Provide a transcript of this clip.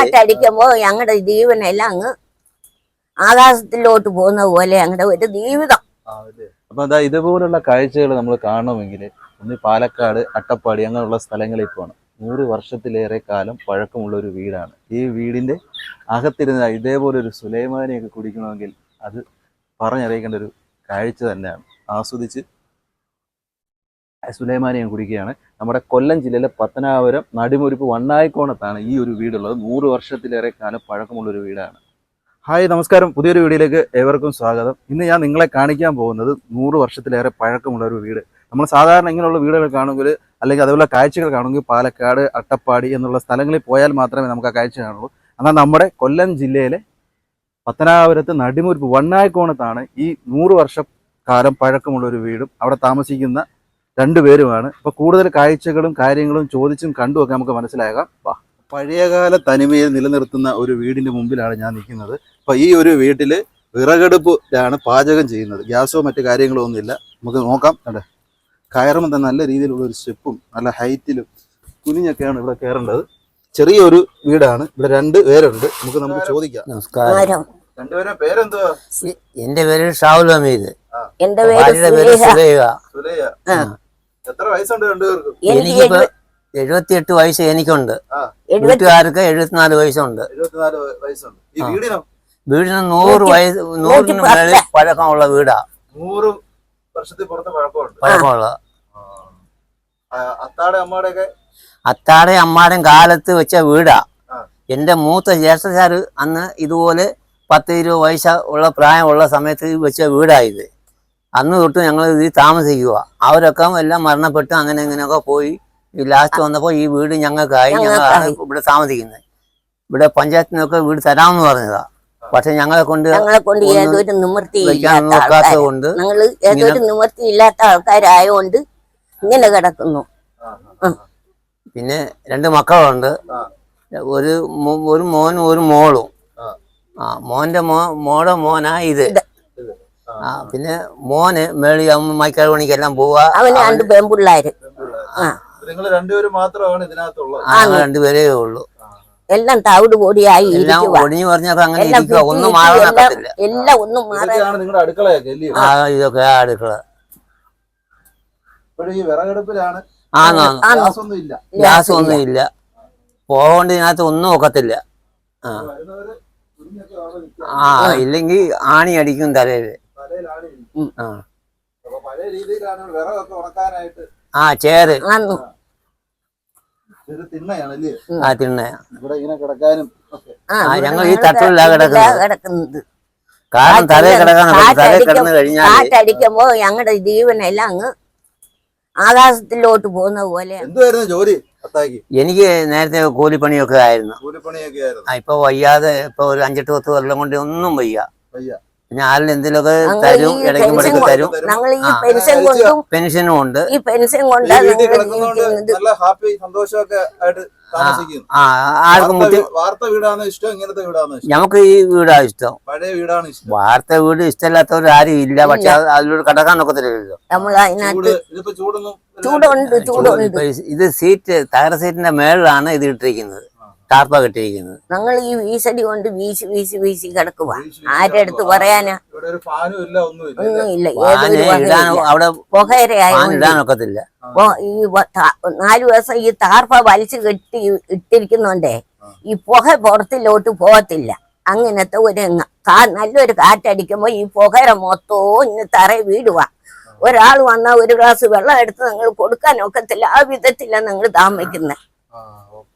കാറ്റടിക്കുമ്പോ ഞങ്ങളുടെ ജീവനെല്ലാം അങ്ങ് ആകാശത്തിലോട്ട് പോകുന്ന പോലെ ഞങ്ങളുടെ ഒരു ജീവിതം. അപ്പൊ എന്താ ഇതുപോലുള്ള കാഴ്ചകൾ നമ്മൾ കാണണമെങ്കിൽ ഒന്ന് പാലക്കാട്, അട്ടപ്പാടി അങ്ങനെയുള്ള സ്ഥലങ്ങളിൽ പോകണം. 100 വർഷത്തിലേറെ കാലം പഴക്കമുള്ള ഒരു വീടാണ്. ഈ വീടിന്റെ അകത്തിരുന്ന ഇതേപോലെ ഒരു സുലൈമാനിയൊക്കെ കുടിക്കണമെങ്കിൽ അത് പറഞ്ഞറിയിക്കേണ്ട ഒരു കാഴ്ച തന്നെയാണ്. ആസ്വദിച്ച് സുലൈമാനിയം കുടിക്കുകയാണ്. നമ്മുടെ കൊല്ലം ജില്ലയിലെ പത്തനാപുരം നടിമുരിപ്പ് വണ്ണായിക്കോണത്താണ് ഈ ഒരു വീടുള്ളത്. 100 വർഷത്തിലേറെ കാലം പഴക്കമുള്ളൊരു വീടാണ്. ഹായ്, നമസ്കാരം. പുതിയൊരു വീഡിയോയിലേക്ക് ഏവർക്കും സ്വാഗതം. ഇന്ന് ഞാൻ നിങ്ങളെ കാണിക്കാൻ പോകുന്നത് 100 വർഷത്തിലേറെ പഴക്കമുള്ള ഒരു വീട്. നമ്മൾ സാധാരണ ഇങ്ങനെയുള്ള വീടുകൾ കാണുമെങ്കിൽ അല്ലെങ്കിൽ അതുപോലെ കാഴ്ചകൾ കാണുമെങ്കിൽ പാലക്കാട്, അട്ടപ്പാടി എന്നുള്ള സ്ഥലങ്ങളിൽ പോയാൽ മാത്രമേ നമുക്ക് ആ കാഴ്ച കാണുള്ളൂ. എന്നാൽ നമ്മുടെ കൊല്ലം ജില്ലയിലെ പത്തനാപുരത്ത് നടിമുരിപ്പ് വണ്ണായിക്കോണത്താണ് ഈ 100 വർഷക്കാലം പഴക്കമുള്ള ഒരു വീടും അവിടെ താമസിക്കുന്ന 2 പേരുമാണ്. അപ്പോൾ കൂടുതൽ കാഴ്ചകളും കാര്യങ്ങളും ചോദിച്ചും കണ്ടുമൊക്കെ നമുക്ക് മനസ്സിലാകാം. പഴയകാല തനിമയിൽ നിലനിർത്തുന്ന ഒരു വീടിന്റെ മുമ്പിലാണ് ഞാൻ നിൽക്കുന്നത്. അപ്പോൾ ഈ ഒരു വീട്ടിൽ വിറകടുപ്പിലാണ് പാചകം ചെയ്യുന്നത്. ഗ്യാസോ മറ്റു കാര്യങ്ങളോ ഒന്നുമില്ല. നമുക്ക് നോക്കാം. അതെ, കയറുമ്പോൾ തന്നെ നല്ല രീതിയിലുള്ള ഒരു സ്റ്റെപ്പും നല്ല ഹൈറ്റിലും കുനിഞ്ഞൊക്കെയാണ് ഇവിടെ കയറേണ്ടത്. ചെറിയൊരു വീടാണ്. ഇവിടെ 2 പേരുണ്ട്. നമുക്ക് ചോദിക്കാം. നമസ്കാരം. 2 പേരുടെ പേരെന്തുവാ? എന്റെ പേര് ഷാവുൽ ഹമീദ്. എന്റെ പേര് സുലൈഹ. എത്ര വയസ്സുണ്ട് 2 പേർക്കും? എനിക്കിപ്പോ 78 വയസ്സ് എനിക്കുണ്ട്. വീട്ടുകാർക്ക് 74 വയസ്സുണ്ട്. 74 വയസ്സുണ്ട്. ഈ വീടിനോ? വീടിന് 100 വയസ്സ് 100 മേളിൽ പഴക്കമുള്ള വീടാ. 100 വർഷത്തിൽ പുറത്ത് പഴക്കമുള്ള. അത്താടെ അമ്മാടേയും കാലത്ത് വെച്ച വീടാ. എന്റെ മൂത്ത ജ്യേഷ്ഠക്കാര് അന്ന് ഇതുപോലെ 10-20 വയസ്സ് ഉള്ള പ്രായമുള്ള സമയത്ത് വെച്ച വീടായത്. അന്ന് തൊട്ട് ഞങ്ങൾ ഇതിൽ താമസിക്കുക. അവരൊക്കെ എല്ലാം മരണപ്പെട്ട് അങ്ങനെ ഇങ്ങനെയൊക്കെ പോയി. ലാസ്റ്റ് വന്നപ്പോൾ ഈ വീട് ഞങ്ങൾക്കായി. ഞങ്ങളാണ് ഇവിടെ താമസിക്കുന്നത്. ഇവിടെ പഞ്ചായത്തിനൊക്കെ വീട് തരാമെന്ന് പറഞ്ഞതാ. പക്ഷെ ഞങ്ങളെ കൊണ്ട് ഏതൊരു നോക്കാത്തത് കൊണ്ട് ഏതൊരു നിവൃത്തിയില്ലാത്ത ആൾക്കാരായോണ്ട് ഇങ്ങനെ കിടക്കുന്നു. പിന്നെ 2 മക്കളുണ്ട്. ഒരു മോനും ഒരു മോളും. മോടെ മോനാ ഇത്. പിന്നെ മോന് മേളി മൈക്കാട് പണിക്കെല്ലാം പോവാ. അവന് 2 പെൺപിള്ളേര്. നിങ്ങൾ 2 പേര് മാത്രമാണ് ഇതിനകത്തുള്ളത്? 2 പേരേ ഉള്ളൂ. എല്ലാം തവിട് പൊടിയായി ഒടിഞ്ഞു പറഞ്ഞാൽ അങ്ങനെ ഇരിക്കുക. ഒന്നും മാറാനൊക്കത്തില്ല. എല്ലാം ഒന്നും മാറാൻ. നിങ്ങളുടെ അടുക്കളയൊക്കെ ഇതൊക്കെ അടുക്കള. ഗ്യാസ് ഒന്നും ഇല്ല. പോകേണ്ട ഇതിനകത്ത് ഒന്നും ഒക്കത്തില്ല. ഇല്ലെങ്കിൽ ആണി അടിക്കും തലയില്. ചേര് തിണ്ണയാ. ഞങ്ങൾ ഈ തട്ടിലാ കിടക്കുന്നത്. കാരണം തലയിൽ കിടന്നു കഴിഞ്ഞാൽ കാറ്റടിക്കുമ്പോ ഞങ്ങളുടെ ജീവനെല്ലാം അങ്ങ് ആകാശത്തിലോട്ട് പോകുന്ന പോലെ. എനിക്ക് നേരത്തെ കൂലിപ്പണിയൊക്കെ ആയിരുന്നു. ഇപ്പൊ വയ്യാതെ ഇപ്പൊ ഒരു 5-10 കൊല്ലം കൊണ്ട് ഒന്നും വയ്യ. പിന്നെ ആരിൽ എന്തെങ്കിലുമൊക്കെ തരും, ഇടയ്ക്കുമ്പോഴേക്ക് തരും. ഞങ്ങൾ ഈ പെൻഷനും ഉണ്ട്. ഈ പെൻഷൻ കൊണ്ട് നമുക്ക് ഈ വീടാ ഇഷ്ടം. വാർത്ത വീട് ഇഷ്ടമില്ലാത്തവർ ആരും ഇല്ല. പക്ഷെ അതിലൂടെ കടക്കാൻ ഒക്കത്തില്ലല്ലോ. നമ്മൾ അതിനകത്ത് ചൂടുണ്ട്. ഇത് സീറ്റ് തകര സീറ്റിന്റെ മേളിലാണ് ഇത് ഇട്ടിരിക്കുന്നത്. ടാർപ്പ കെട്ടിയിരിക്കുന്നത്. ഞങ്ങൾ ഈ വീശടി കൊണ്ട് വീശി കിടക്കുക. ആരുടെ അടുത്ത് പറയാനാ? ഒന്നുമില്ല. അവിടെ പുകയരയായി ഇടാനൊക്കത്തില്ല. ഈ 4 ദിവസം ഈ ടാർപ്പ വലിച്ചു കെട്ടി ഇട്ടിരിക്കുന്നുണ്ടേ ഈ പുക പുറത്തിലോട്ട് പോകത്തില്ല. അങ്ങനത്തെ ഒരു നല്ലൊരു കാറ്റടിക്കുമ്പോ ഈ പുകര മൊത്തവും ഇന്ന് തറയിൽ വീടുക. ഒരാൾ വന്നാൽ 1 ഗ്ലാസ് വെള്ളം എടുത്ത് നിങ്ങൾ കൊടുക്കാൻ ഒക്കത്തില്ല. ആ വിധത്തിലാണ് നിങ്ങൾ താമസിക്കുന്നത്.